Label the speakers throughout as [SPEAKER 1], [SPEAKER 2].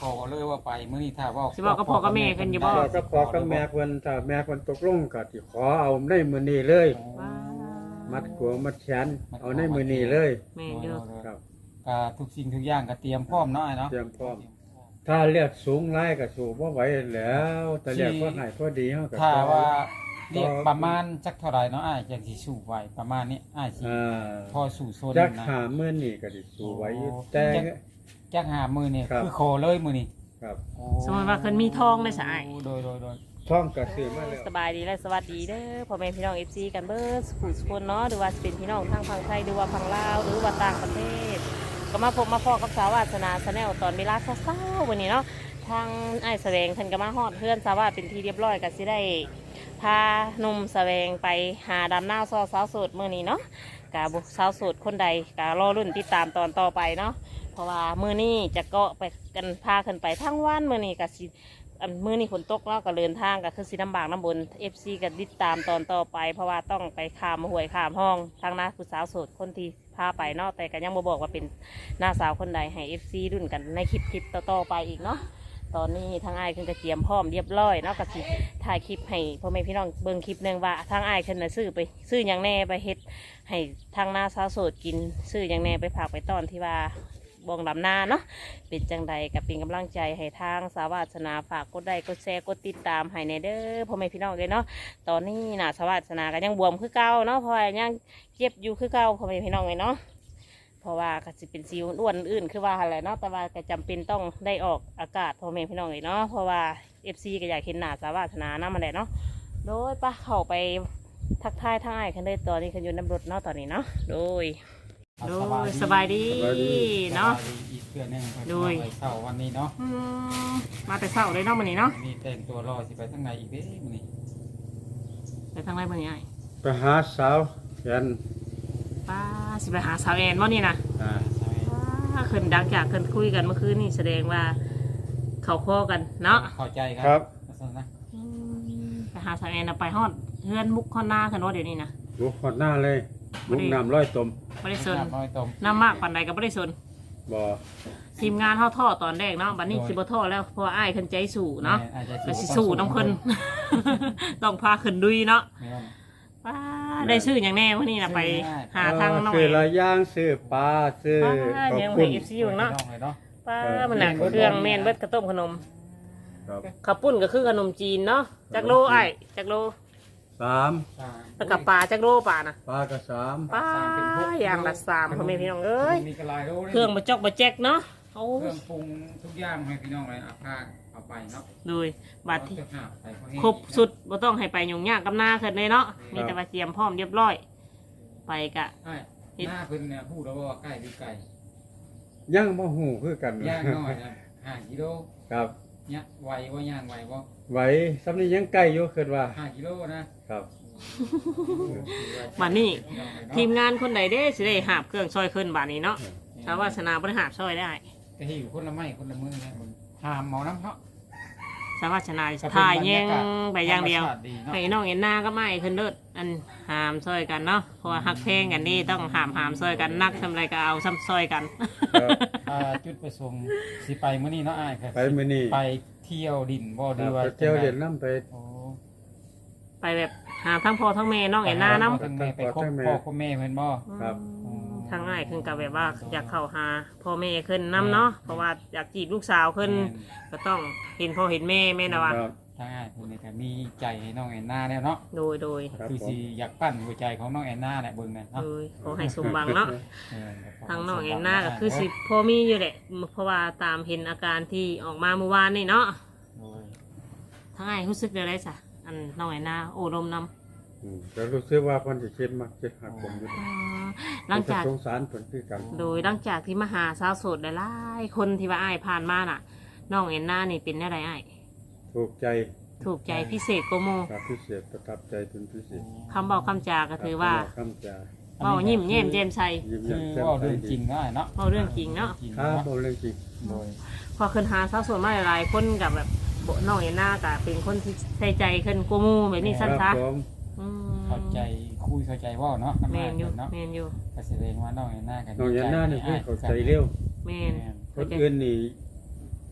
[SPEAKER 1] อเลยว่าไปมื้อนี้ถ้าว่า
[SPEAKER 2] สิบอกกับพ่อกับแม่เพิ่นอยู่บ่
[SPEAKER 3] ก็ขอกับแม่เพิ่นถ้าแม่เพิ่นตกลงก็สิขอเอาในมื้อนี้เลย
[SPEAKER 2] ว้า
[SPEAKER 3] มัดกัวมัดแขนเอาในมื้อนี้เลย
[SPEAKER 2] แม่นอยู่
[SPEAKER 3] ครับ
[SPEAKER 1] ก็ทุกสิ่งทุกอย่างก็เตรียมพร้อมเนาะเนาะ
[SPEAKER 3] เตรียมพร้อม ถ้าเลือดสูงหลายก็สู้บ่ไหวแล้วแต่เลือดพอให้พอดีเฮาก็
[SPEAKER 1] ถ้าว่าเรียกประมาณจักเท่าไหร่เนาะอ้ายจังสิสู้ไหวประมาณนี้อ้ายสิพอสู้โซน
[SPEAKER 3] จัก
[SPEAKER 1] นะ
[SPEAKER 3] หามื้อนี้ก็สิสู้ไหวอยู่แต่
[SPEAKER 1] จักหามื้อนี่
[SPEAKER 3] ครับ
[SPEAKER 1] คือขอเลยมื้อนี้
[SPEAKER 3] ครับ
[SPEAKER 2] สมมติว่าเพิ่นมีทองได้สะอ้าย
[SPEAKER 1] โดย
[SPEAKER 3] ท้องก็ซื้อมาแล้ว
[SPEAKER 2] สบายดีและสวัสดีเด้อพ่อแม่พี่น้อง FC กันเบิดสุขสุคนเนาะหรือว่าสิเป็นพี่น้องทางฝั่งไทยหรือว่าฝั่งลาวหรือว่าต่างประเทศ ก็มาพบมาพอกับสาวาสนาชาแนลตอนเวลาเช้าๆวันนี้เนาะทางไอ้ายแสวงเพิ่นก็มาฮอดเพื่อนสาวาเป็นที่เรียบร้อยก็สิได้พาหนุ่มแสวงไปหาดำหน้าซอสาวโสดมื้อนี้เนาะกะบุสาวโสดคนใดกะรอรุ่นติดตามตอนต่อไปเนาะเพราะว่ามื้อนี้จะเกาะไปกันพาขึ้นไปทั้งวันมื้อนี้ก็สิมื้อนี้ฝนตกเนาะก็เดินทางก็คือสิลำบากลำบน FC ก็ติดตามตอนต่อไป เพราะว่าต้องไปข้ามห้วยข้ามห้องทางหน้าผู้สาวโสดคนที่พาไปเนาะแต่ก็ยังบ่บอกว่าเป็นหน้าสาวคนใดให้ FC รุ่นกันในคลิปต่อๆไปอีกเนาะตอนนี้ทางอ้ายเพิ่นก็เตรียมพร้อมเรียบร้อยเนาะก็สิถ่ายคลิปให้พ่อแม่พี่น้องเบิ่งคลิปหนึงว่าทางอ้ายเพิ่นน่ะซื้อหยังแน่ไปเฮ็ดให้ทางหน้าสาวโสดกินซื้อหยังแน่ไปฝากไปต้อนที่ว่าบ่งดำนาเนาะเป็นจังใดก็เป็นกำลังใจให้ทางสาวาสนาฝากกดไลค์กดแชร์กดติดตามให้ในเด้อพ่อแม่พี่น้องเลยเนาะตอนนี้น่ะสาวาสนาก็ยังบวมคือเก่าเนาะเพราะว่ายังเจ็บอยู่คือเก่าพ่อแม่พี่น้องเลยเนาะเพราะว่าก็สิเป็นสิวอ้วนอื่นคือว่าอะไรเนาะแต่ว่าก็จำเป็นต้องได้ออกอากาศพ่อแม่พี่น้องเลยเนาะเพราะว่า FC ก็อยากเห็นหน้าสาวาสนานะมันแหละเนาะโดยป้าเข้าไปทักทายทางอ้ายคันเลยตอนนี้คันอยู่น้ำรถเนาะตอนนี้เนาะโดยสบายดีเนาะ
[SPEAKER 1] อีกเพื่อนหนึง
[SPEAKER 2] โดย
[SPEAKER 1] ไปเช้าวันนี้เนาะ
[SPEAKER 2] มาแต่เช้าเลยเนาะมื้อนี้เนาะ
[SPEAKER 1] นี่แต่งตัวรอสิไปทางไหนอีกเด้มื้อนี้
[SPEAKER 2] ไปทางไหนมื้อนี้อ้าย
[SPEAKER 3] ไปหาสาวแขน
[SPEAKER 2] ป้าสิไปหาสาวแอนบ่นี่นะ
[SPEAKER 3] อ่า
[SPEAKER 2] ป้าขึ้นดังจากขึ้นคุยกันเมื่อคืนนี่แสดงว่าเขาคอกันเนาะ
[SPEAKER 1] เข้าใจ
[SPEAKER 3] ครับ
[SPEAKER 1] ลักษณะนะ
[SPEAKER 2] ไปหาสาวแอนน่ะไปฮอดเฮือนมุกฮอดหน้ากันว่าเดี๋ยวนี้นะ
[SPEAKER 3] ลูกหอดหน้าเลยลูกน้ำร้อยตม
[SPEAKER 2] บ่ได้สน
[SPEAKER 1] น้อยตม
[SPEAKER 2] น้ำมากปานใดก็บ่ได้สน
[SPEAKER 3] บ่
[SPEAKER 2] ทีมงานเฮาท่อตอนแรกเนาะบัดนี้สิบ่ท่อแล้วเพราะว่าอ้ายขึ้นใจสู่เนาะ
[SPEAKER 1] อาจจะ
[SPEAKER 2] ก็สิสู่น้ำเพิ่น ต้องพาขึ้นดุยเนาะ
[SPEAKER 1] แม่น
[SPEAKER 2] ป้าได้ซื้อหยังแน่มื้อนี้น่ะไปหาทางน้อง
[SPEAKER 3] ซื้
[SPEAKER 2] แอ
[SPEAKER 3] อน ละอย่างซื้อปลาซื้อ
[SPEAKER 2] ป้า
[SPEAKER 3] ข้าว
[SPEAKER 2] ยัง
[SPEAKER 3] ปุ้
[SPEAKER 2] ให้
[SPEAKER 3] น
[SPEAKER 2] FC อยู่เนาะ
[SPEAKER 1] น้องเลยเนาะ
[SPEAKER 2] ป้ามันน่ะเครื่องแม่นเบิดกระต้มขนม
[SPEAKER 3] ครับ
[SPEAKER 2] ข้าวปุ้นก็คือขนมจีนเนาะจักโลอ้ายจักโล
[SPEAKER 3] สาม
[SPEAKER 2] แล้วกับปลาจักโลปลาน่ะ
[SPEAKER 3] ปลาก็สาม
[SPEAKER 2] ปลาอย่างละ3พ่อแม่พี่น้องเอ้ย
[SPEAKER 1] มีกระลายโล
[SPEAKER 2] เครื่องบ่จอกบ่แจ๊กเนาะโอ้
[SPEAKER 1] เครื่องปรุงทุกอย่างให้พี่น้องเลยเอาผ้าเอาไปเนาะ
[SPEAKER 2] ดูบัดที่
[SPEAKER 1] เอาเสื้อผ้าไปเขาให้
[SPEAKER 2] ครบสุดบ่ต้องให้ไปยุ่งยากกับหน้าขึ้นเลยเนาะมีแต่ว่าเตรียมพร้อมเรียบร้อย ไปกะ
[SPEAKER 1] ใช่หน้าเพิ่นเนี่ยพูดแล้วว่าใกล้หรือไกล
[SPEAKER 3] ยังบ่หูคือกัน
[SPEAKER 1] ย่างน้อยนะ5กิโล
[SPEAKER 3] ครับ
[SPEAKER 1] เนี่ยไหวว่าย่างไหวว่า
[SPEAKER 3] ไหวสำนี้ยังใกล้อยู่คิดว่า
[SPEAKER 1] 5กิโลนะครับ
[SPEAKER 2] บัดนี้ทีมงานคนใดเด้สิได้หาบเครื่องซอยขึ้นบัดนี้เนาะชาววาสนาบ่ได้หาบซอยได้
[SPEAKER 1] ก็ให้อยู่คนละไม้คนละมือนะมันหามหมอน้ำเนาะ
[SPEAKER 2] ชาววาสนาถ่ายแยงไปอย่างเดียว
[SPEAKER 1] ธรรมชาติเนาะ
[SPEAKER 2] ให้น้องเห็นหน้าก็ไม่ขึ้นเลิศอันหามซอยกันเนาะเพราะว่าฮักเพลงกันนี่ต้องหามซอยกันนักทำอะไรก็เอาซ้ำซอยกัน
[SPEAKER 3] ครับ
[SPEAKER 1] จุดประสงค์สิไปมื้อนี้เนาะอ้ายครับ
[SPEAKER 3] ไปมื้อนี้
[SPEAKER 1] ไปเที่ยวดินบ่
[SPEAKER 3] ค
[SPEAKER 1] ดี
[SPEAKER 3] รับ
[SPEAKER 1] ว่า
[SPEAKER 3] ไปเที่ยวเล่นน้ำไป
[SPEAKER 1] โอ้
[SPEAKER 2] ไปแบบหาทั้งพ่อทั้งแม่น้องเห็นหน้าน้ำ
[SPEAKER 1] ทั้งแม่ไปคบพ่อคบแม่เพิ่นบ่
[SPEAKER 3] ครับ
[SPEAKER 2] ทางง่ายขึ้นกับแบบว่าอยากเข้าหาพ่อแม่ขึ้นน้ำเนาะเพราะว่าอยากจีบลูกสาวขึ้นก็ต้องเห็นพ่อเห็นแม่แม่นะวะ
[SPEAKER 3] ครับ
[SPEAKER 1] ทางอ้ายเพิ่นนี่ก็มีใจให้น้องแอนนาแล้วเนาะ
[SPEAKER 2] โดย
[SPEAKER 3] ครับ
[SPEAKER 1] คือ
[SPEAKER 3] ผม
[SPEAKER 1] สิอยากปั้นหัวใจของน้องแอนนาแหละเบิ่งนั่นเนาะ
[SPEAKER 2] ขอให้สมบังเนาะ
[SPEAKER 1] เออ
[SPEAKER 2] ทางน้องเอ็นหน้าก็คือสิพ่อมีอยู่แหละเพราะว่าตามเห็นอาการที่ออกมาเมื่อวานนี่เนาะ
[SPEAKER 1] โดย
[SPEAKER 2] ทางง่ายรู้สึกเดี๋ยวไรสะอันน้องเอ็นหน้าโอ้ดมน้ำ
[SPEAKER 3] ก็รู้สึกว่าเพิ่นสิคิดมักสิหักผมอยู่
[SPEAKER 2] หลังจาก
[SPEAKER 3] สงสารเพิ่นคือกัน
[SPEAKER 2] โดยหลังจากที่มาหาสาวโสดหลายๆคนที่ว่าอ้ายผ่านมาน่ะน้องเอ็นหน้านี่เป็นอะไรอ้าย
[SPEAKER 3] ถูกใจ
[SPEAKER 2] ถูกใจพิเศษโกโม
[SPEAKER 3] ครับพิเศษประทับใจเป็นพิเศษ
[SPEAKER 2] คำบอกคำจาก็ถือว่า
[SPEAKER 3] คำจา
[SPEAKER 2] เบายิ้มแย้มแจ่มใส
[SPEAKER 3] ยิ้ม
[SPEAKER 1] คื
[SPEAKER 3] แย้
[SPEAKER 1] อ
[SPEAKER 3] มแจ่ม
[SPEAKER 1] ว่า
[SPEAKER 3] ใส
[SPEAKER 1] เรื่องจริ
[SPEAKER 3] ดี
[SPEAKER 1] งเนาะเนาะ
[SPEAKER 2] เอาเรื่องจริงเนาะ
[SPEAKER 1] จริง
[SPEAKER 3] ครับ
[SPEAKER 1] เนาะ
[SPEAKER 3] เอาเรื่องจริง
[SPEAKER 1] โดย
[SPEAKER 2] พอขึ้นหาสาวโสดมาหลายๆคนกับแบบน้องเอ็นหน้าก็เป็นคนที่ใส่ใจขึ้นโกโมแบบนี้สั้น
[SPEAKER 3] ค
[SPEAKER 2] ซะ
[SPEAKER 3] รับผม
[SPEAKER 2] อืม
[SPEAKER 1] เข้าใจคุยเข้าใจเว่าเนาะ
[SPEAKER 2] แมนอยู่
[SPEAKER 1] เนาะ
[SPEAKER 2] แมนอยู่
[SPEAKER 1] ก็แสดงว่าน้องแอนนากัน
[SPEAKER 3] น้องยันหน้านี่คือเข้าใจเร็ว
[SPEAKER 2] แมน
[SPEAKER 3] คนอื่นนี่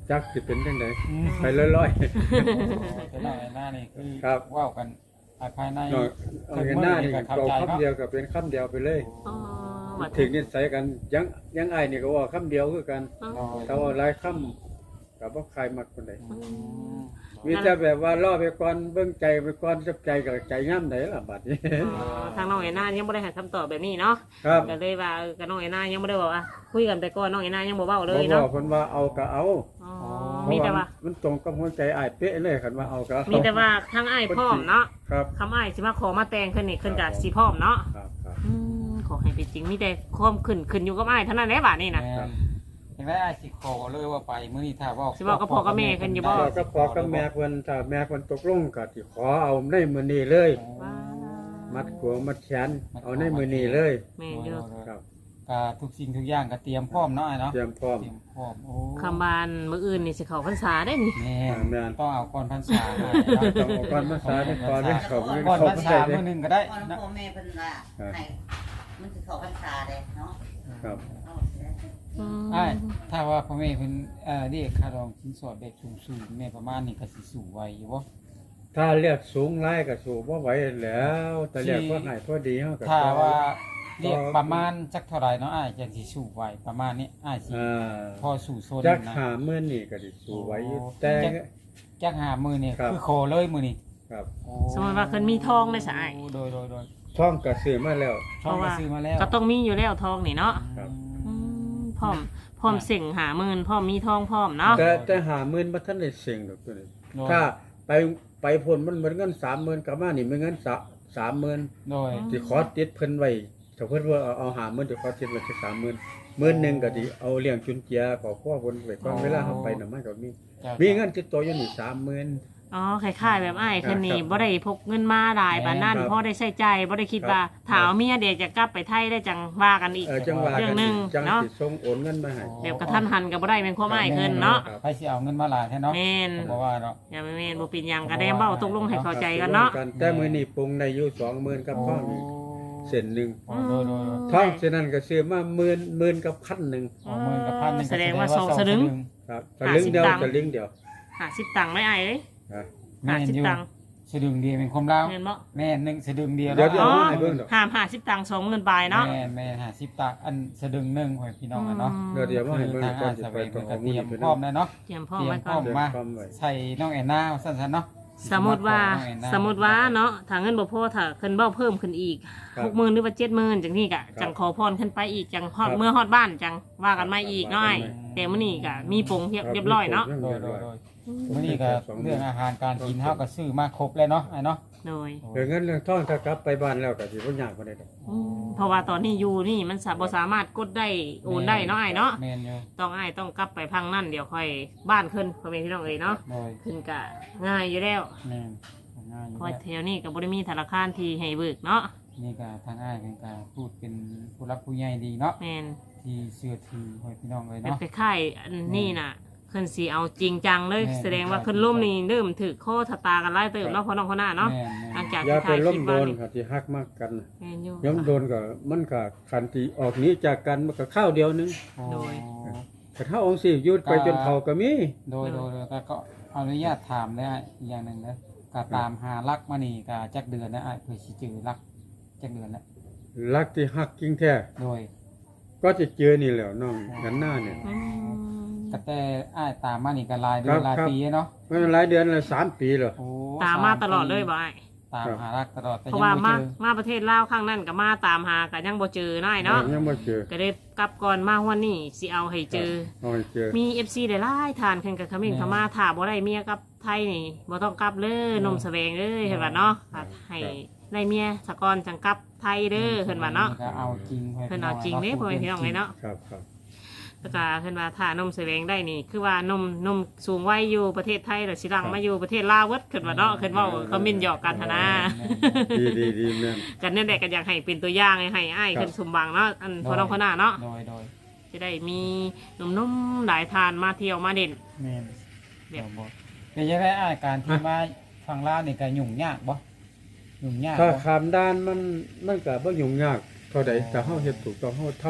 [SPEAKER 3] จักสิเป็นจังได
[SPEAKER 1] อืม
[SPEAKER 3] ไปลอย
[SPEAKER 1] แต่น้องไอ้หน้านี่คือ
[SPEAKER 3] ครับ
[SPEAKER 1] เว้ากันภายใน
[SPEAKER 3] ๆเอากันหน้านี่เอาคำเดียวก็เป็นคำเดียวไปเลย
[SPEAKER 2] อ๋อบัด
[SPEAKER 3] ถึงนิสัยกันยังอ้ายนี่ก็ว่าคำเดียวคือกัน
[SPEAKER 2] อ๋อ
[SPEAKER 3] ถ้าว่าหลายคำก็บ่ใครมักคนใด
[SPEAKER 1] อืม
[SPEAKER 3] มีแต่แบบว่ารอไปก่อนเบิ่งใจไปก่อนจับใจกับใจงามไดล่ะบัดนี้
[SPEAKER 2] อ๋อทางน้องไอ้นายังบ่ได้ให้คำตอบแบบนี้เนาะ
[SPEAKER 3] ครับ
[SPEAKER 2] ก็เลยว่ากับน้องไอ้นายังบ่ได้บอกว่าคุยกันไปก่อนน้องไอ้นายังบ่เว้าเล
[SPEAKER 3] บ่
[SPEAKER 2] ย
[SPEAKER 3] บอ
[SPEAKER 2] เนาะ
[SPEAKER 3] กเพิ่นว่าเอาก็เอา
[SPEAKER 2] อ๋อ
[SPEAKER 3] เพ
[SPEAKER 2] มี
[SPEAKER 3] ราะ
[SPEAKER 2] แต่ว่า
[SPEAKER 3] มันตรงกับหัวใจอ้ายเป๊ะเลยคันว่าเอาก็เอา
[SPEAKER 2] มีแต่ว่าทางอ้ายพร้อมเนาะ
[SPEAKER 3] ครับ
[SPEAKER 2] คำอ้ายสิมาขอมาแต่งขึ้นนี่ขึ้นกับสิพร้อมเนาะ
[SPEAKER 3] ครับครับ
[SPEAKER 2] ขอให้เป็นจริงมีแต่ความขึ้นอยู่กับอ้ายเท่านั้นแหละบาดนี้นะ
[SPEAKER 1] แม่นยังได้อ้ายสิขอเลยว่าไปมื้อนี้ถ้าเว้า
[SPEAKER 2] สิเว้ากับพ่อกับแม่เพิ่นอยู่บ่
[SPEAKER 3] พ่อก็พอกับแม่เพิ่นถ้าแม่เพิ่นตกลงก็สิขอเอาในมื้อนี้เลย
[SPEAKER 1] อ๋อ
[SPEAKER 3] มัดขวงมัดแขนเอาในมื้อนี้เลย
[SPEAKER 2] แม่นอยู่
[SPEAKER 3] ครับ
[SPEAKER 1] ก็ทุกสิ่งทุกอย่างก็เตรียมพร้อมเนาะอ้ายเนาะ
[SPEAKER 3] เตรียมพร้อม
[SPEAKER 1] เตรียมพร้อมโอ้
[SPEAKER 2] คำบานมื้ออื่นนี่สิเข้าพรรษาได้นี่
[SPEAKER 1] แม่น
[SPEAKER 3] แม่น
[SPEAKER 1] ต้องเอาก่อนพรรษาให้
[SPEAKER 3] ต้องเอาก่อนพรรษานี่ก่อนนี่เขาไม่
[SPEAKER 1] ก่อน
[SPEAKER 3] เขา
[SPEAKER 1] พรร
[SPEAKER 3] ไม่
[SPEAKER 1] ษา
[SPEAKER 3] ได้เด้
[SPEAKER 1] มื้อหนึงก็ได้
[SPEAKER 4] ก่อน
[SPEAKER 1] นะ
[SPEAKER 4] พ่อแม่เพิ่นว่าให้มันสิเข้าพรรษาเลยเนาะ
[SPEAKER 3] ครับ
[SPEAKER 4] เอาเสีย
[SPEAKER 1] อ้ายถ้าว่าพ่อแม่เพิ่นเรียกค่าดองสินสอดแบบสูงๆแม่ประมาณนี้ก็สิสูงไว้อยู่บ่
[SPEAKER 3] ถ้าเรียกสูงไล่ก็สูงบ่ไหวแล้วแต่เรียกพอให้พอดีเฮาก็
[SPEAKER 1] ถ้าว่าเรียกประมาณจักเท่าไหร่เนาะอ้ายจังสิสูงไว้ประมาณนี้อ้ายสิ พอสู่โซน
[SPEAKER 3] จัก
[SPEAKER 1] นะ
[SPEAKER 3] 50,000นี่ก็สิสูงไหวอยู่
[SPEAKER 1] โอ้
[SPEAKER 3] แต่
[SPEAKER 1] จักหามือนี่
[SPEAKER 3] ครับ
[SPEAKER 1] คือโคเลยมือนี่
[SPEAKER 3] ครับ
[SPEAKER 1] โอ้
[SPEAKER 2] สมมติว่าเพิ่นมีทองได้ซะอ้าย
[SPEAKER 1] โดย
[SPEAKER 3] ท่องก็ซื้อมาแล้ว
[SPEAKER 1] ช่องก็ซื้อมาแล้ว
[SPEAKER 2] ก็ต้องมีอยู่แล้วทองนี่เนาะ
[SPEAKER 3] ครับ
[SPEAKER 2] พร้อมเสิ่งหาหมื่นพร้อมมีทองพร้อมเนาะ
[SPEAKER 3] แต่50,000บ่ทันได้เสียงดอกตัวนี้
[SPEAKER 1] โดย
[SPEAKER 3] ถ้าไปพ้นมันเหมือนเงิน 30,000กลับมานี่มันเงิน30,000
[SPEAKER 1] โดย
[SPEAKER 3] สิขอติดเพิ่นไว้ถ้าเพิ่นว่าเอา50,000สิขอติดไว้สัก30,000มื้อหนึงก็สิเอาเลี้ยงจุนเจียขอครัวเพิ่นไว้ก่อนเวลาเฮาไปน่ะมันก็มี มีเงินติดตัวอยู่นี่30,000
[SPEAKER 2] อ๋อคล้ายๆแบบอ้ายเพิ่นนี่
[SPEAKER 3] ครับ
[SPEAKER 2] บ่ได้พกเงินมาหลายปานนั้น
[SPEAKER 3] ครับ
[SPEAKER 2] พอได้ใช้จ่ายบ่ได้คิดว่า
[SPEAKER 3] ครับ
[SPEAKER 2] ถ้าเอาเมียเดี๋ยวจะกลับไปไทยได้จังว่ากันอีก
[SPEAKER 3] จังหวะ
[SPEAKER 2] เรื่อง
[SPEAKER 3] กัน
[SPEAKER 2] หนึ่ง
[SPEAKER 3] จัง
[SPEAKER 2] เนาะ
[SPEAKER 3] สิส่งโอนเงินมาให้
[SPEAKER 2] แบบกระทันหันก็บ่ได้เป็นความอ้ายเพิ่นเนาะ
[SPEAKER 3] ครับ
[SPEAKER 1] ใครสิเอาเงินมาหลายแท้เนาะ
[SPEAKER 2] แม่น
[SPEAKER 1] บ่ว่าเนาะ
[SPEAKER 2] อย่าไปแม่นบ่เป็นหยังก็ได้เว้าตกลงให้เข้าใจกันเนาะ
[SPEAKER 3] แต่มื้อนี้ปรุงได้อยู่20,000กับท่องอีกเส้นหนึง
[SPEAKER 1] โอ้โดย
[SPEAKER 3] ท่องเส้นนั้นก็ซื้อมา10,000กับ1,000
[SPEAKER 1] ๆเอาหมื่นกับพันหนึงก็
[SPEAKER 2] แสดงว่าสองสลึง
[SPEAKER 3] ครับสลึงเดียว
[SPEAKER 2] 50
[SPEAKER 3] สลึงเดียว
[SPEAKER 2] 50ตังค์ไม่อ้ายเอ้ย
[SPEAKER 3] นะ
[SPEAKER 1] แม่นอยู่
[SPEAKER 2] 50ตังค์
[SPEAKER 1] สะดึงเดียวเป็นความลาว
[SPEAKER 2] แม่นบ่
[SPEAKER 1] แม่นหนึงสะดึงเดียว
[SPEAKER 3] เดี๋ยว
[SPEAKER 1] เนาะ
[SPEAKER 3] เอามาให้เบิ่งดอก
[SPEAKER 2] ห้าม50ตังค์20,000บาทเนาะ
[SPEAKER 1] แม่น50ตักอันสะดึงหนึงให้พี่น้องอะเนาะ
[SPEAKER 3] เดี๋ยวมาให้เบิ่ง
[SPEAKER 1] ทาง
[SPEAKER 3] ก่อ
[SPEAKER 1] อาน
[SPEAKER 3] สิ
[SPEAKER 1] สะ
[SPEAKER 3] ไป
[SPEAKER 1] เวง
[SPEAKER 3] ต้
[SPEAKER 1] เพิ่
[SPEAKER 3] อง
[SPEAKER 1] นก็
[SPEAKER 3] เอา
[SPEAKER 1] เตรียม
[SPEAKER 3] มื้อนี้ไป
[SPEAKER 1] พร้อมแล้วเนาะ
[SPEAKER 2] เตรียมพร้อ
[SPEAKER 1] เต
[SPEAKER 2] ม
[SPEAKER 1] รียม
[SPEAKER 2] ไว้
[SPEAKER 1] พ
[SPEAKER 2] ก่
[SPEAKER 1] ร้
[SPEAKER 2] อ
[SPEAKER 1] อน มมา
[SPEAKER 3] พร้อมไว้
[SPEAKER 1] ใส่น้องแอนนาสั้นๆเนาะ
[SPEAKER 2] สมมุติว่าเนาะถ้าเงินบ่พอถ้าเพิ่นเบ้าเพิ่มขึ้นอีก
[SPEAKER 3] ครับ
[SPEAKER 2] 60,000หรือว่า70,000จังนี้ก็จังขอพรขึ้นไปอีกจังฮอดเมื่อฮอดบ้านจังว่ากันมาอีกเนาะอ้ายแต่มื้อนี้ก็มีปงเรียบร้อยเนาะ
[SPEAKER 1] โดยมื้อนี้ก็เรื่องอาหารการกินเฮาก็ซื้อมาครบแล้วเนาะไอ้เนาะ
[SPEAKER 2] โดย
[SPEAKER 3] เรื่องเงินเรื่องทองถ้ากลับไปบ้านแล้วก็สิบ่ยากปานใดดอก
[SPEAKER 2] เพราะว่าตอนนี้อยู่นี่มันบ่สามารถกดได้โอนได้เนาะอ้ายเนาะ
[SPEAKER 1] แม่นอยู่
[SPEAKER 2] ต้องกลับไปพังนั่นเดี๋ยวค่อยบ้านขึ้นพ่อแม่พี่น้องเอ้ยเนาะ
[SPEAKER 1] โดย
[SPEAKER 2] ขึ้นก็ง่ายอยู่แล้ว
[SPEAKER 1] แม่นง่ายอยู่
[SPEAKER 2] เพราะ
[SPEAKER 1] แล้ว
[SPEAKER 2] แถวนี้ก็บ่ได้มีธนาคารที่ให้เบิกเนาะ
[SPEAKER 1] นี่ก็ทางอ้ายเพิ่นก็พูดเป็นผู้รักผู้ใหญ่ดีเนาะ
[SPEAKER 2] แม่น
[SPEAKER 1] ที่เชื่อถือให้พี่น้องเลย
[SPEAKER 2] แบบ
[SPEAKER 1] เนาะ
[SPEAKER 2] คล้ายๆอันนี้น่ะเพิ่นสิเอาจริงจังเลย
[SPEAKER 1] แม่น
[SPEAKER 2] แสดงว่าเพิ่นล่มนี่เริ่มถือข้อชะตากันหลายเติบแล้วพ่อน้องพ่อหน้าเนาะ
[SPEAKER 1] แม่น
[SPEAKER 2] หลัง
[SPEAKER 1] ๆ
[SPEAKER 2] จาก
[SPEAKER 3] อย่า
[SPEAKER 2] ที่
[SPEAKER 3] ไป
[SPEAKER 2] ถ่ายค
[SPEAKER 3] ล้
[SPEAKER 2] ลิ
[SPEAKER 3] ม
[SPEAKER 2] ป
[SPEAKER 3] โด
[SPEAKER 2] มาน นี่
[SPEAKER 3] ก็สิฮักมากกัน
[SPEAKER 2] แม่นอยู่
[SPEAKER 3] ย้ำโดนก็มันก็คันที่ออกหนี้จากกันมันก็ข้าวเดียวนึง
[SPEAKER 2] โดย
[SPEAKER 3] แต่ถ้าองค์สิหยุดไปจนเขาก็มี
[SPEAKER 1] โดยก็ขออนุญาตถามได้อีกอย่างหนึงนะก็ตามหารักมานี่ก็จักเดือนนะอ้ายเพื่อสิเจอรักจักเดือนแล้ว
[SPEAKER 3] รักที่ฮักจริงแท้
[SPEAKER 1] โดย
[SPEAKER 3] ก็จะเจอนี่แหล้วน้องกันหน้าเนี่ย
[SPEAKER 2] อืม
[SPEAKER 1] ก็แต่อ้ายตามมานี่ก็หลายเดือน
[SPEAKER 3] ครับ
[SPEAKER 1] หลาย
[SPEAKER 3] ครับ
[SPEAKER 1] ปีเนาะ
[SPEAKER 3] มันหลายเดือนละ3 ปีแล้ว
[SPEAKER 1] โอ้
[SPEAKER 2] ตามมาตลอดเลยบ่อ้าย
[SPEAKER 1] ตามหารักตลอดแต่
[SPEAKER 2] เพ
[SPEAKER 1] ยั
[SPEAKER 2] ราะ
[SPEAKER 1] ง
[SPEAKER 2] ว่า
[SPEAKER 1] ไม่
[SPEAKER 2] มา
[SPEAKER 1] เจอ
[SPEAKER 2] มาประเทศลาวข้างนั้นก็มาตามหาก็ยังบ่เจอน้อยเนาะ
[SPEAKER 3] ยังบ่เจอ
[SPEAKER 2] ก็ได้กลับก่อนมาวันนี้สิเอาให้เจอ
[SPEAKER 3] เอาให้เจอ
[SPEAKER 2] มี FC หลายๆทานขึ้นกับขมิ้นเขามาถ้าบ่ได้เมียกับไทยนี่บ่ต้องกลับเลยนมแสวงเลยเห็นว่าเนาะให้ได้เมียสะกอนจังกลับไทยเด้อเพิ่นว่าเนาะ
[SPEAKER 1] ก็เอาจริง
[SPEAKER 2] เพิ่นเอาจริงเด้พ่อแม่พี่น้องเลยเนาะ
[SPEAKER 3] ครับครับ
[SPEAKER 2] แล้วก็เพิ่นว่าถ้านมแสวงได้นี่ คือว่านมสูงวัยอยู่ประเทศไทยแล้วสิหลังมาอยู่ประเทศลาวเวิดเพิ่นว่าเนาะเพิ่นเว้าคอมเมนต์หยอกกันหันนะ
[SPEAKER 3] ดีแม่น
[SPEAKER 2] กันนั่นแหละก็อยากให้เป็นตัวอย่างให้อ้ายเพิ่นสมบังเนาะอันพ่อน้องพ่อหน้าเนาะ
[SPEAKER 1] โดย
[SPEAKER 2] จะได้มีหนุ่มๆหลายทานมาเที่ยวมาเด่น
[SPEAKER 1] แม่น
[SPEAKER 2] แบบ
[SPEAKER 1] บ่เป็นยังไงอ้ายการที่มาฟังลาวนี่ก็ยุ่งยากบ่ยุ่งยาก
[SPEAKER 3] ถ้า
[SPEAKER 1] บ่
[SPEAKER 3] ขามด้านมันก็บ่ยุ่งยากเท่าใดแต่เฮาเฮ็ดถูกต้องเฮาทำ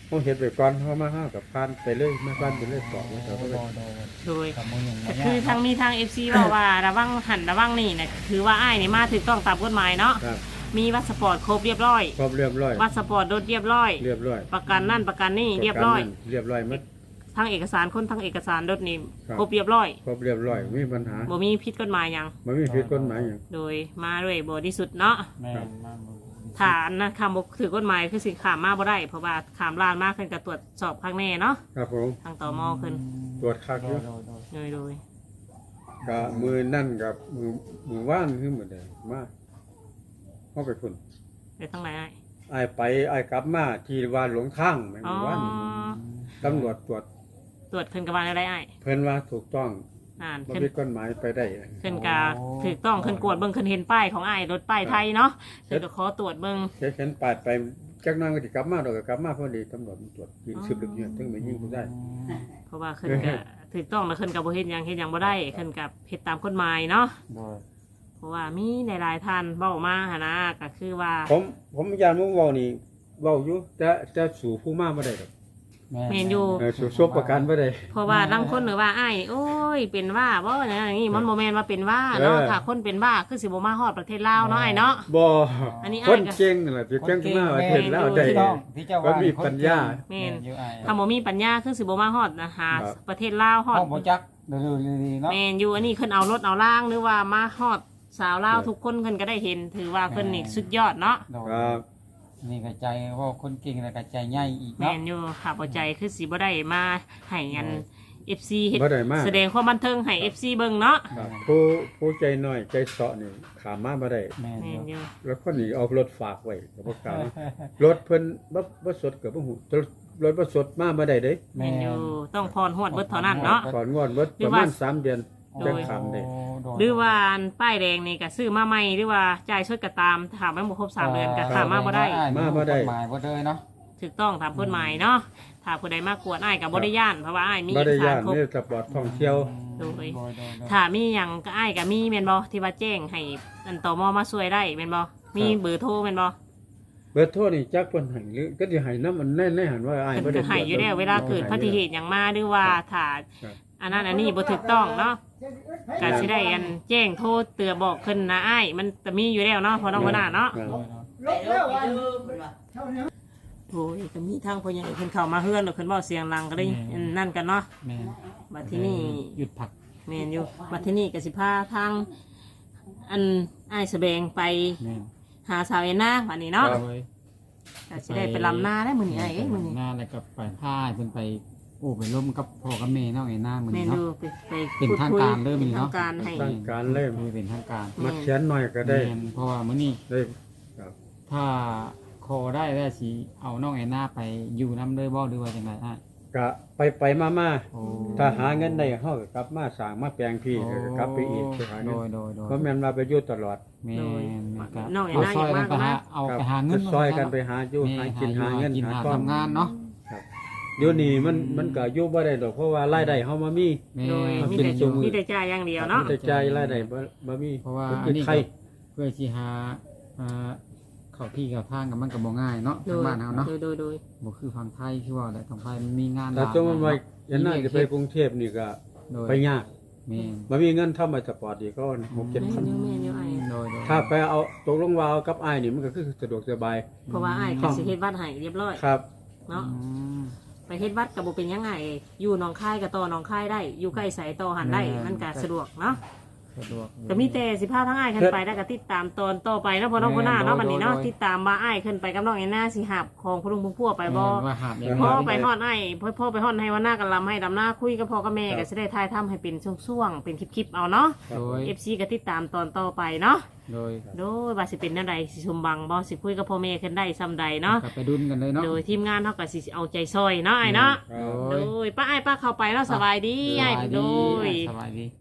[SPEAKER 3] เฮาเฮ็ดไปก่อนเฮามาห้ากับผ่านไปเลยมาผ่านไปเลยต่อมาต่อไป
[SPEAKER 2] โดย
[SPEAKER 1] กับมือหนึ่ง
[SPEAKER 2] ก็คือทางมีทาง FC บอกว่าระวังหันระวังนี่นะคือว่าอ้ายนี่มาถูกต้องตามกฎหมายเนาะ
[SPEAKER 3] ครับ
[SPEAKER 2] มีวัตสปอร์ตครบเรียบร้อย
[SPEAKER 3] ครบเรียบร้อย
[SPEAKER 2] วัตสปอร์ตรถเรียบร้อย
[SPEAKER 3] เรียบร้อย
[SPEAKER 2] ประกันนั่นประกันนี่เรียบร้อย
[SPEAKER 3] เรียบร้อยหมด
[SPEAKER 2] ทั้งเอกสารคนทั้งเอกสารรถนี่
[SPEAKER 3] ครับ
[SPEAKER 2] ครบเรียบร้อย
[SPEAKER 3] ครบเรียบร้อยไม่มีปัญหา
[SPEAKER 2] บ่มีผิดกฎหมายหยัง
[SPEAKER 3] บ่มีผิดกฎหมายหยัง
[SPEAKER 2] โดยมาด้วยบริสุทธิ์เนาะ
[SPEAKER 1] แม่นมามือ
[SPEAKER 2] ฐานนะคำบอกถือกฎหมายคือสิขามมาบ่ได้เพราะว่าขามลานมากขึ้นกับตรวจสอบข้างแน่เนาะ
[SPEAKER 3] ครับผม
[SPEAKER 2] ทางต่อมอขึ้น
[SPEAKER 3] ตรวจคักอยู่
[SPEAKER 2] โดย
[SPEAKER 3] ก็มือนั่นกับมือว่านคือมื้อใดมาเฮาไปพุ่น
[SPEAKER 2] ไปทั้งไหน
[SPEAKER 3] อ้ายไปอ้ายกลับมาที่ว่าหลงทางแม่น
[SPEAKER 2] อ๋อ
[SPEAKER 3] มือว่านตำรวจตรวจ
[SPEAKER 2] ตรวจขึ้นกับว่าอะไรไอ้
[SPEAKER 3] เพิ่นว่าถูกต้อง
[SPEAKER 2] อ่าน
[SPEAKER 3] บ่
[SPEAKER 2] ขึ้น
[SPEAKER 3] มีกฎหมายไปได้
[SPEAKER 2] ขึ้นกาถูกต้องขึ้นกวดเบิ่งขึ้นเห็นป้ายของไอ้รถป้ายไทยเนาะขึ้นก็ขอตรวจเบิ่ง
[SPEAKER 3] เห็นปาดไปจักหน้อยก็สิกลับมาดอกก็กลับมาพอดีตำรวจมันตรวจยิงสืบลึกเนี่ยถึงไปยิงผู้ได้
[SPEAKER 2] เพราะว่าขึ้นก็ถูกต้องแล้วขึ้นกับบ่เฮ็ดหยังเฮ็ดหยังบ่ได้ขึ้นกับเฮ็ดตามกฎหมายเนาะ
[SPEAKER 1] โดย
[SPEAKER 2] เพราะว่ามีหลายๆท่านเว้ามาหั่นนะก็คือว่า
[SPEAKER 3] ผมยานมึงเว้านี่เว้าอยู่แต่สู่ผู้มาบ่ได้ดอก
[SPEAKER 2] แม่นอยู่
[SPEAKER 3] สู่ซบประกันบ่ได้
[SPEAKER 2] เพราะว่าบางคนหรือว่าอ้ายโอ้ยเป็นว่าบ่อย่างนี้มันโมแมนว่าเป็นว่าเนาะถ้าคนเป็นว่าคือสิบ่มาฮอดประเทศลาวเนาะไอ้เนาะ
[SPEAKER 3] บ่
[SPEAKER 2] อันนี้
[SPEAKER 3] คน
[SPEAKER 2] อ้ายก็
[SPEAKER 3] เก่งนั่นแหละที่เก่งขึ้นมาว่าเห็นแล้วได้
[SPEAKER 1] ที่เจ้า
[SPEAKER 3] ก็
[SPEAKER 1] ว่า
[SPEAKER 3] มีปัญญา
[SPEAKER 2] แม่น
[SPEAKER 1] อยู่ไอ้
[SPEAKER 2] ถ้าบ่มีปัญญาคือสิบ่มาฮอดนะหา
[SPEAKER 3] ครับ
[SPEAKER 2] ประเทศลาวฮอด
[SPEAKER 1] ห้องบ่จักเดูดีๆเนาะ
[SPEAKER 2] แม่นอยู่อันนี้เพิ่นเอารถเอาล่างหรือว่ามาฮอดสาวลาวทุกคนเพิ่นก็ได้เห็นถือว่าเพิ่นนี่สุดยอดเนาะ
[SPEAKER 1] โดย
[SPEAKER 3] ครับ
[SPEAKER 1] นี่ก็ใจว่าคนเก่งแล้วก็ใจใหญ่อีก
[SPEAKER 2] แม่
[SPEAKER 1] เนาะ
[SPEAKER 2] นอยู่ค่ะบ่ใจคือสิบ่ได้มาให้อัน FC เฮ็ด
[SPEAKER 3] บ่ได้มา
[SPEAKER 2] แสดงความบันเทิงให้ FC เบิ่งเนาะ
[SPEAKER 3] ครับผู้ใจน้อยใจเสาะนี่ขามมาบ่ได้
[SPEAKER 1] แม่น
[SPEAKER 2] แม่น
[SPEAKER 1] อ
[SPEAKER 2] อยู่ ยู่
[SPEAKER 3] แล้วคนนี้เอารถฝากไว้ก็บ่กล้ารถเพิ่นบ่สดก็บ่ฮู้รถบ่สดมาบ่ได้เด้
[SPEAKER 2] แม่นอยู่ต้องพรฮอดเบิดเท่านั้นเนาะ
[SPEAKER 3] ก่อนงวดเบิดประมาณ3เดือน
[SPEAKER 2] โด
[SPEAKER 3] จะ
[SPEAKER 2] ย
[SPEAKER 3] ขามได้
[SPEAKER 2] หรือว่าอันป้ายแดงนี่ก็ซื้อมาใหม่หรือว่าจ่ายชดก็ตามถามว่าบ่ครบ3เดือนก็ถามมาบ่ได้
[SPEAKER 3] มาบ่ได้
[SPEAKER 1] หมายบ่ได้เนาะ
[SPEAKER 2] ถูกต้องตามกฎหมายเนาะถ้าผู้ใดมากวนอ้ายก็บ่ได้ย่านเพราะว่าอ้ายมี
[SPEAKER 3] บ่
[SPEAKER 2] เอ
[SPEAKER 3] ได้
[SPEAKER 2] กสา
[SPEAKER 3] ย่าร น
[SPEAKER 2] ครบ
[SPEAKER 3] นี่สปอร์ตท่องเที่ยว
[SPEAKER 2] โดย
[SPEAKER 1] โดย
[SPEAKER 2] ถ้ามีหยังก็อ้ายก็มีแม่นบ่ที่ว่าแจ้งให้อันตมมาช่วยได้แม่นบ่มีเบอร์โทรแม่นบ่
[SPEAKER 3] เบิดโทษนี่จักเพิ่นให้หรือก็สิให้นำมันแน่ๆหันว่าอ้ายบ่
[SPEAKER 2] เพิ่น
[SPEAKER 3] ได้
[SPEAKER 2] ก็ให้อยู่แล้วเวลาเกิดอุบัติเหตุหยังมาหรือว่าถ้า
[SPEAKER 3] ครับ
[SPEAKER 2] อันนั้นอันนี้บ่ถูกต้องเนาะก็สิได้อันแจ้งโทรเตือนบอกขึ้นนะอ้ายมันจะมีอยู่แล้วเนาะพอน้องบ่น่าเนาะ
[SPEAKER 3] ครับ
[SPEAKER 4] ไปรถไปดูเพิ่นว่า
[SPEAKER 2] โอ้ยก็มีทางพ่อใหญ่เพิ่นเข้ามาเฮือนแล้วเพิ่นเว้าเสียงดังก็ได้อันนั่นกันเนาะ
[SPEAKER 1] แม่น
[SPEAKER 2] บัดที่นี่
[SPEAKER 1] หยุดผัก
[SPEAKER 2] แม่นอยู่บัดที่นี่ก็สิพาทางอันอ้ายแสดงไป
[SPEAKER 1] แม่น
[SPEAKER 2] หาสาวเอ็นนาบัดนี้เนาะ
[SPEAKER 1] โดย
[SPEAKER 2] ก็สิได้ไปลำนาได้มื้อนี้อ้ายเอ้ยมื้อนี้
[SPEAKER 1] หน้าแล้วก็ไปพายเพิ่นไปโอ้ไปร่วมกับพ่อกับแม่เนาะไอ้หน้ามื้อ
[SPEAKER 2] แม่
[SPEAKER 1] นี้
[SPEAKER 2] นอ
[SPEAKER 1] เนาะ
[SPEAKER 2] ยู่ไป
[SPEAKER 1] เป็นทางการเด้อมื้อนี้เนาะ
[SPEAKER 2] ทางการให้
[SPEAKER 3] ทางการเลย
[SPEAKER 1] คุยเป็นทางการ
[SPEAKER 3] มาเขียนหน่อยก็ได้
[SPEAKER 1] แม่นเพราะว่ามื้อนี้
[SPEAKER 3] ได้ครับ
[SPEAKER 1] ถ้าคอได้แล้วสิเอาน้องไอ้หน้าไปอยู่นำเลยบ่หรือว่าจังไดอ่ะ
[SPEAKER 3] ก็ไปมา
[SPEAKER 1] โอ้
[SPEAKER 3] ถ้าหาเงินได้เฮาก็กลับมาสร้างมาแปลงพี่ก็กลับไปอีกไปหา
[SPEAKER 1] โด
[SPEAKER 3] เงิน
[SPEAKER 1] ยโดยโดย
[SPEAKER 3] เพราะแม่นว่าไปอยู่ตลอด
[SPEAKER 1] แม่นก็
[SPEAKER 2] น้องไอ้
[SPEAKER 1] เอา
[SPEAKER 2] นา
[SPEAKER 1] ซ
[SPEAKER 2] อ
[SPEAKER 1] อย
[SPEAKER 2] ยาก
[SPEAKER 1] กัน
[SPEAKER 2] มาก
[SPEAKER 1] ไปหา
[SPEAKER 2] นะ
[SPEAKER 1] เอาไปหาเงิน
[SPEAKER 3] ซอยกันไปหาอยู่หากินหาเงิน
[SPEAKER 1] กิน
[SPEAKER 3] หา
[SPEAKER 1] หา
[SPEAKER 3] ก้อน
[SPEAKER 1] ทำงานเนาะ
[SPEAKER 3] เดี๋ยวนี้มันก็อยู่บ่ได้ดอกเพราะว่ารายได้เฮามามี
[SPEAKER 1] แม่
[SPEAKER 2] โดย
[SPEAKER 3] น
[SPEAKER 2] มี
[SPEAKER 3] เป็น
[SPEAKER 2] แต่
[SPEAKER 3] จุมือ
[SPEAKER 2] มีแต่จ่ายอย่างเดียวเนาะ
[SPEAKER 3] แต่ใจายรายได้บ่มี
[SPEAKER 1] เพราะว่า
[SPEAKER 3] มัน
[SPEAKER 1] อั
[SPEAKER 3] คื
[SPEAKER 1] น
[SPEAKER 3] อ
[SPEAKER 1] นี้
[SPEAKER 3] ไข่
[SPEAKER 1] เพื่อสิหาเข้าที่เข้าทางกับมันก็บ่ง่ายเนาะ
[SPEAKER 2] โด
[SPEAKER 1] ทาง
[SPEAKER 2] ย
[SPEAKER 1] บ้านเฮาเนาะ
[SPEAKER 2] โดย
[SPEAKER 1] บ่คือฝั่งไทยคือว่าแต่ทางไทยมันมีงาน
[SPEAKER 3] ถ้า
[SPEAKER 1] หลาย
[SPEAKER 3] สมมุติว่ายันน่าจะไปกรุงเทพนี่ก็
[SPEAKER 1] โดย
[SPEAKER 3] ไปยาก
[SPEAKER 1] แม่น
[SPEAKER 3] บ่มีเงินทำมาสปอร์ตอีกก็
[SPEAKER 2] แม่
[SPEAKER 3] 6-7
[SPEAKER 2] น
[SPEAKER 3] พัน
[SPEAKER 2] อยู่แม่นอยู่ไอ้
[SPEAKER 1] โดยโดย
[SPEAKER 3] ถ้าไปเอาตกลงว่าเอากับอ้ายนี่มันก็คือสะดวกสบาย
[SPEAKER 2] เพราะว่าไอ้ายก็สิเฮ็ดวัดให้เรียบร้อย
[SPEAKER 3] ครับ
[SPEAKER 2] เนาะ
[SPEAKER 1] อืม
[SPEAKER 2] ไปเฮ็ดวัดก็บ่เป็นยังไงอยู่หนองคายก็ต่อหนองคายได้อยู่ใกล้ไสต่อหันได้มันก็สะดวกเนาะ
[SPEAKER 1] สะดวก
[SPEAKER 2] ก็มีแต่สิพาทั้งอ้ายขึ้นไปแล้วก็ติดตามตอนต่อไปเนาะพ่อน้องพ่อหน้าเนาะบัดนี้เนาะติดตามว่าอ้ายขึ้นไปกับน้องไอ้หน้าสิหับของพ่อลุงพ่อพัวไปบ่
[SPEAKER 1] แม่นว่าหาบอย่าง
[SPEAKER 2] พ่อ
[SPEAKER 1] ไร
[SPEAKER 2] ไปฮอดไอ้พ่อไปฮอดให้วันหน้ากันลำให้ดำหน้าคุยกับพ่อกับแม่ก็สิได้ทายทำให้เป็นช่วงๆเป็นคลิปๆเอาเนาะ
[SPEAKER 1] โดย
[SPEAKER 2] FC ก็ติดตามตอนต่อไปเนาะ
[SPEAKER 1] โดย
[SPEAKER 2] โดยว่าสิเป็นแนวใดสิสมบังบ่สิคุยกับพ่อแม่ขึ้นได้ซำใดเนาะ
[SPEAKER 1] กลับไปดุนกันเลยเนาะ
[SPEAKER 2] โดยทีมงานเฮาก็สิเอาใจซอยเนาะไอ้เนาะ
[SPEAKER 3] ครับ
[SPEAKER 2] โดยป้าไอ้ายป้าเข้าไปแล้วสบายดีไอ้ายโดย
[SPEAKER 1] สบายดี